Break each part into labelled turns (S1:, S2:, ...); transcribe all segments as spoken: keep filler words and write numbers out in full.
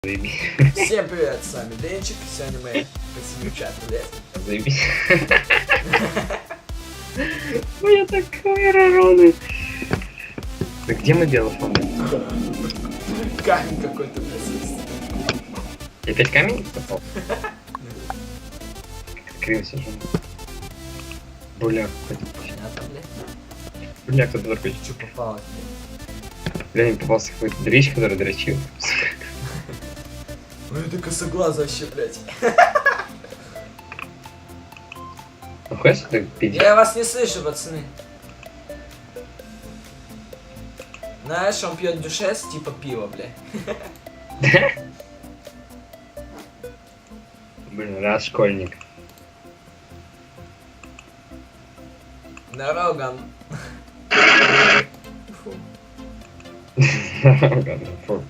S1: Всем привет, с вами Денчик, сегодня мы посидим чат, блядь.
S2: Заебись. Ой, я такой ророны. Так где мы белый фон?
S1: Камень какой-то, блядь.
S2: Я опять камень попал? Криво сижу. Буляк какой-то.
S1: Понятно, блядь.
S2: Буляк кто-то дрочит.
S1: Чё попалось, блядь?
S2: Бля, мне попался какой-то дрищ, который дрочил.
S1: Ой, ты косоглаз вообще, блядь.
S2: Ну хочешь ты пить?
S1: Я вас не слышу, пацаны. Знаешь, он пьет дюшес, типа пиво, блядь.
S2: Блин, раз школьник.
S1: Дороган. Фу.
S2: Фу.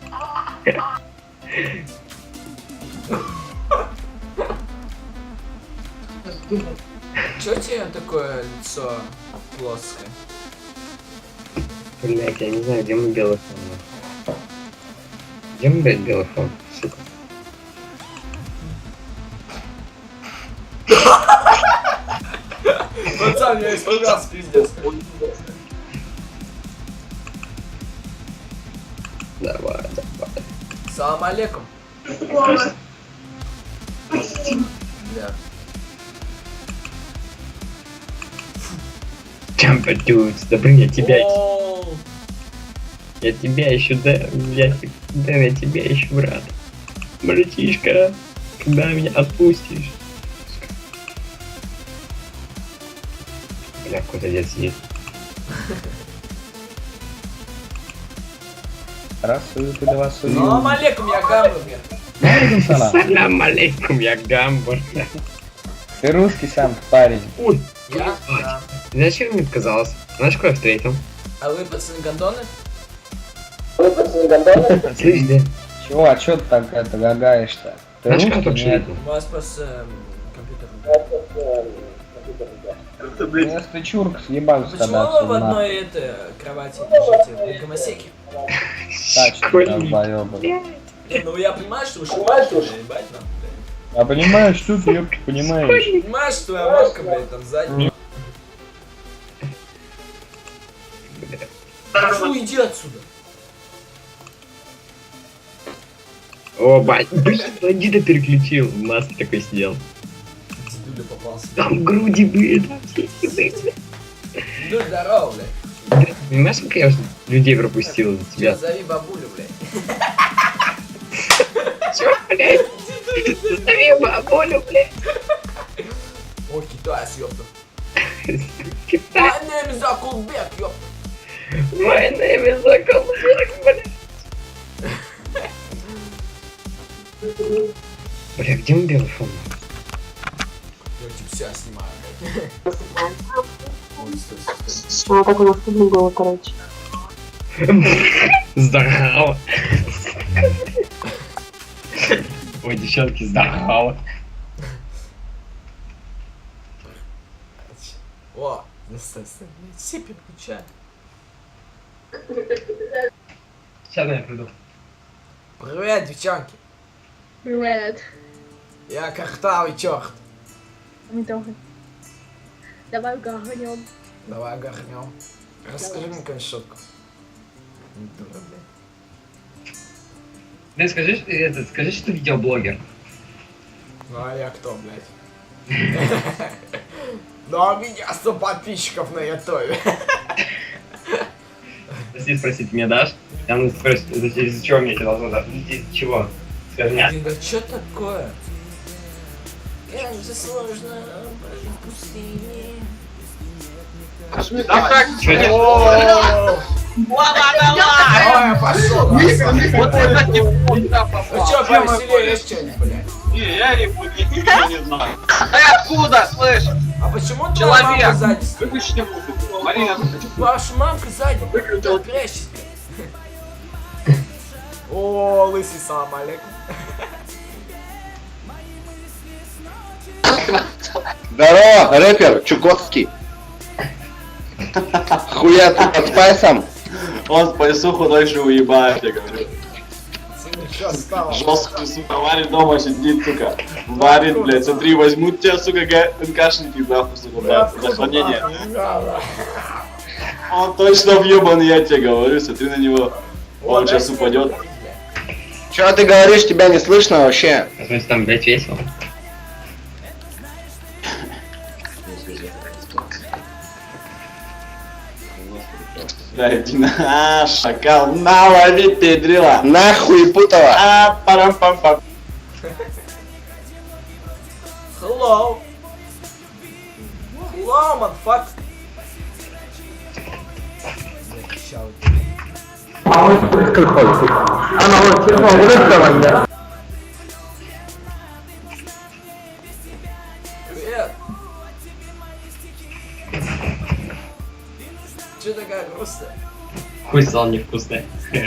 S1: Чё у тебя такое лицо плоское?
S2: Блять, я не знаю, где мы белый фон. Где мы, блядь, белый фон, сука?
S1: Пацан, я испугался, пиздец.
S2: Давай, давай.
S1: Салам алейкум. Бля.
S2: Jumper Dudes, да блин, я тебя,
S1: Оу.
S2: я тебя еще, да, я, да, я тебя еще, брат. Братишка, когда меня отпустишь? Бля, какой-то дед сидит.
S3: Раз суют или вас суют.
S1: Салам алейкум, я гамбургер.
S3: Алейкум салам.
S2: Салам алейкум, я гамбургер.
S3: Ты русский сам парень.
S2: Ой,
S1: Я? Да.
S2: зачем мне отказалась? Знаешь, кого я встретил?
S1: А вы, пацаны, гондоны?
S2: Слышь, да?
S3: Чего, а чё ты так это гагаешь-то? Ты
S2: Знаешь, кого
S3: русский?
S2: только
S3: Нет.
S2: встретил?
S1: У вас просто эм, компьютер.
S3: Ну, если ты чурк, съебался
S1: Почему
S3: тогда
S1: вы в
S3: отсюда, нахуй.
S1: одной этой кровати лежите? Вы гомосеки?
S3: Тачки,
S2: Школьник.
S3: долбоёбы.
S1: Не, ну я понимаю, что вы шутите, блядь, ебать нахуй, блядь.
S3: А понимаешь, что ты, ёпта, понимаешь?
S1: Понимаешь, что твоя мамка, блядь, там сзади? Фу, иди отсюда.
S2: О, бать, блин, бандита переключил. В маске такой сидел.
S1: Дедуля попался.
S2: Там груди были, там все были.
S1: Ну, здорово, блядь.
S2: Понимаешь, сколько я уже людей пропустил за тебя?
S1: Тебя зови бабулю, блядь.
S2: Чё, блядь? Зови бабулю, блядь.
S1: О, китаец, ёпта.
S2: Китай.
S1: My name is Акулбек, ёпта.
S2: My name is Акулбек, блядь. Бля, где мы белый фон?
S1: Я типа себя снимаю, блядь. Ой, стой, стой, стой.
S4: А, так у нас стыдно было, короче.
S2: Здорово. Ой, девчонки, здорово.
S1: О, ну стой, стой, блядь, сипи включай.
S2: Сейчас я приду.
S1: Привет, девчонки.
S4: Привет.
S1: Я картавый чёрт.
S4: Мы тоже. Давай гахнем.
S1: Давай горнем. Расскажи мне какую-нибудь шутку. Не дура, блядь.
S2: Да скажи, что- это, скажи, что ты видеоблогер.
S1: Ну а я кто, блядь? Ну а у меня сто подписчиков на ютубе.
S2: Если спросить, мне дашь? Там спросит, из-за чего мне это должно дать? Из-за чего? Скажи мне.
S1: Блин, да чё такое? Как же сложно быть в пустыне.
S5: Да как?
S2: Чё не-
S1: О, Ой, пошёл.
S5: Вот это не куда
S1: Ну
S5: попал.
S1: чё, повеселее есть что-нибудь, блядь?
S5: Не, я не буду, ничего не знаю. Ты откуда, слышь?
S1: А почему твоя мамка
S5: Человек!
S1: сзади стоит?
S5: Выключи музыку. Марина,
S1: Ваша мамка сзади,
S5: Выключил.
S1: прячься. О, лысый, салам алейкум.
S6: Здорово, рэпер Чукотский. Хуя ты под спайсом?
S5: он по лесу худой же уебает, я говорю.
S1: Цены Что стало?
S5: Жестко, сука, варит дома сидит, сука. Варит, блядь, смотри, возьмут тебя, сука, НКшники, нахуй, сука, блядь, за хранение. Он точно въебан, я тебе говорю, смотри на него. Он сейчас упадет.
S6: Чё ты говоришь, тебя не слышно вообще?
S2: В смысле, там, блядь, весело.
S5: Да, иди на, шакал, на, лови педрила.
S6: Нахуй путала.
S5: А, парам-пам-пам.
S1: Hello. Hello, motherfucker. Привет. Че такая грустная?
S2: Хуй сал невкусный.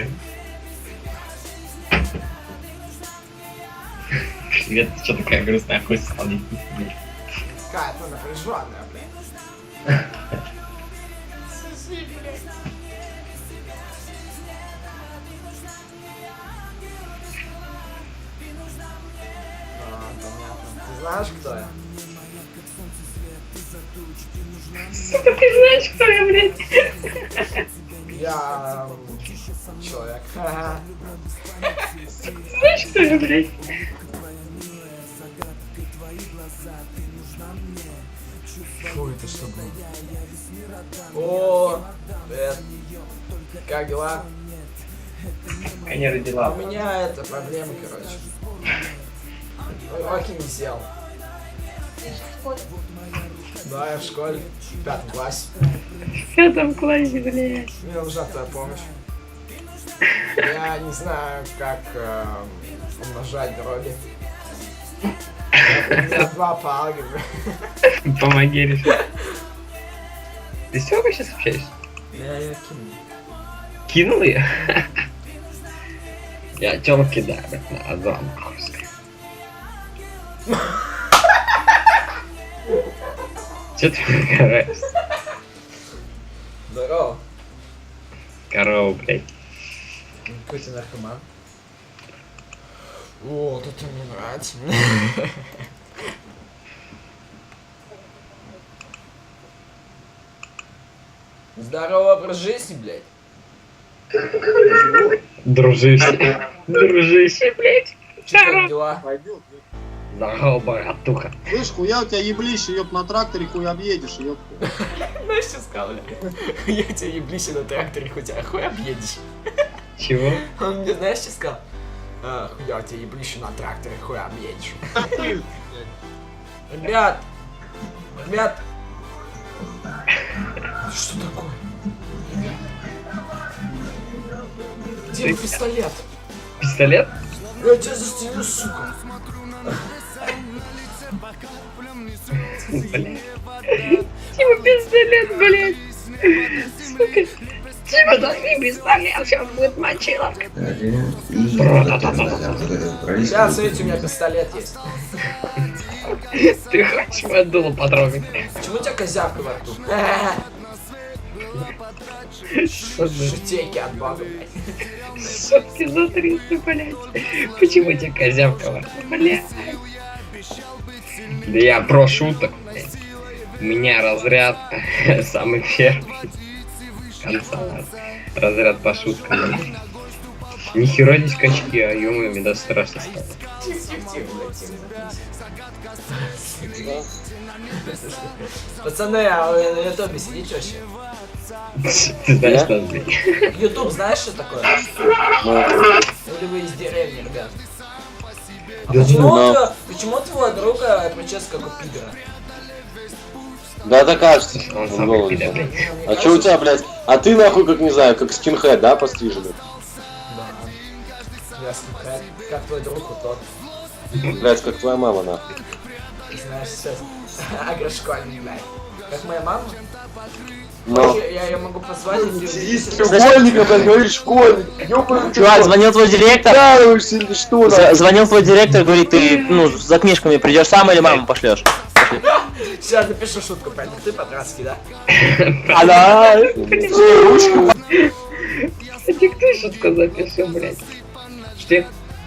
S2: Привет, ты чё такая грустная? Хуй сал невкусный.
S1: Какая-то напряженная, блядь. Сиси, блядь. А, понятно. Ты знаешь, кто я?
S2: Сука, ты знаешь, кто я, блядь?
S1: Я... м, человек.
S2: Знаешь, кто я, блядь?
S1: Фу, это что было? О, привет. Как дела?
S2: Я не
S1: А
S2: родила.
S1: у меня это проблема, короче. Уроки не сел. Да, я в школе, в пятом классе.
S2: В пятом классе, блядь.
S1: Мне нужна твоя помощь. Я не знаю, как э, умножать дроби. У меня два по алгебре.
S2: Помоги решить. Ты с Тёмой сейчас общаешься?
S1: Я ее кину.
S2: Кинул ее? Я Тёму кидаю, на Азам. Чё ты нравишься?
S1: Здорово.
S2: Корова, блядь.
S1: Какой ты наркоман? О, вот это мне нравится. Здорово, образ жизни, блядь.
S2: Дружище. Дружище, блядь.
S1: Че как дела?
S7: Пойдет.
S2: Здорово, братуха.
S7: Слышь, хуя у тебя еблище, ёб, на тракторе хуй объедешь, ёб.
S1: Знаешь, что сказал, бля? Я тебя еблище на тракторе, хоть а хуй объедешь.
S2: Чего?
S1: Он мне, знаешь, что сказал? А, хуя тебя еблище на тракторе, хуй объедешь. Ребят! Ребят! Что такое? Где мой пистолет?
S2: Пистолет?
S1: Я тебя застрелю, сука!
S2: Блядь. Типа пистолет, блядь. Сука. Типа дай мне пистолет, сейчас будет мочилок.
S1: Сейчас, смотрите, у меня пистолет есть.
S2: Ты хочешь мое дуло потрогать?
S1: Почему у тебя козявка во рту? Шутейки от бога, блядь.
S2: Сотки за триста, блядь. Почему у тебя козявка во рту, блядь? Да я про шуток, блядь. У меня разряд самый первый. Конца разряд по шуткам, блядь. Нихера не скачки, а ё-моё, мне даже страшно стало.
S1: Тихо-тихо, блядь, тихо. Пацаны, а вы на ютубе сидите вообще?
S2: Ты знаешь нас, блядь?
S1: Ютуб знаешь, что такое? Или вы из деревни, ребят? А почему, у- почему твой друг э, прическа как у пидора?
S6: Да, это кажется.
S2: Он
S6: в
S2: самый
S6: голосе.
S2: пидор, блядь.
S6: А чё у тебя, блядь? А ты нахуй, как не знаю, как скинхед, да, постриженный?
S1: Да. Ясно, как, как твой друг вот тот.
S6: Блядь, как твоя мама, нахуй.
S1: Ты знаешь, сейчас агрошкольник, блядь. Как моя мама?
S6: Ну.
S1: Я, я ее могу позвать, если...
S6: Треугольника, блядь, говоришь, школьник.
S8: Чувак, звонил твой директор.
S6: Прикалываешься или что,
S8: З-
S6: нахуй?
S8: Звонил твой директор, говорит, ты, ну, за книжками придешь сам или маму пошлешь?
S1: Сейчас напишу шутку, пойду. Ты по-братски, да?
S6: Ала!
S2: Кстати, кто шутку запишу, блядь? Что?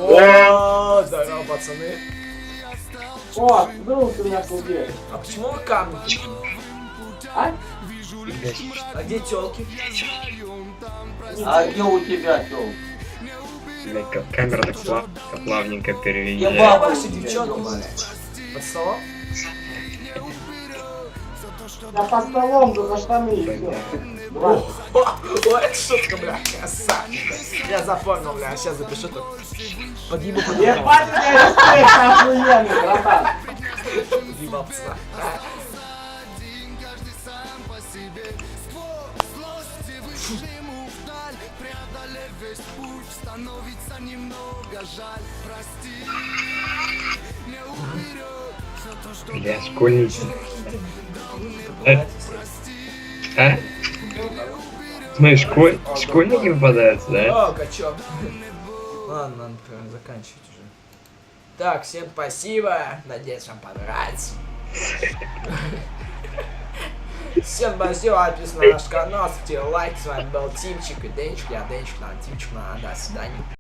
S1: О, здорово, пацаны.
S3: О, вдруг ты меня победишь.
S1: А почему вы камни такие?
S3: А?
S1: А где тёлки?
S6: А где у тебя, тёл?
S2: Блядь, как камера так плав- так плавненько
S1: Где
S2: переезжает.
S1: ваши девчонки, блядь? Под столом?
S3: Да по столом, да за штаны и все.
S1: О, о, это шутка, бля, красавчик. Я запомнил, бля, сейчас запишу тут. Подъебу, подъебу.
S3: Ебать, у тебя респект охуенный, братан.
S1: Подъебал, пацана.
S2: Бля, школьники. Э? А? Смотри, школь... школьники попадаются, да?
S1: О, качок. Ладно, надо прям заканчивать уже. Так, всем спасибо. Надеюсь, вам понравится. Всем спасибо, подписывайтесь на наш канал, ставьте лайк. С вами был Тимчик и Денчик. Я Денчик, надо Тимчик, надо. До свидания.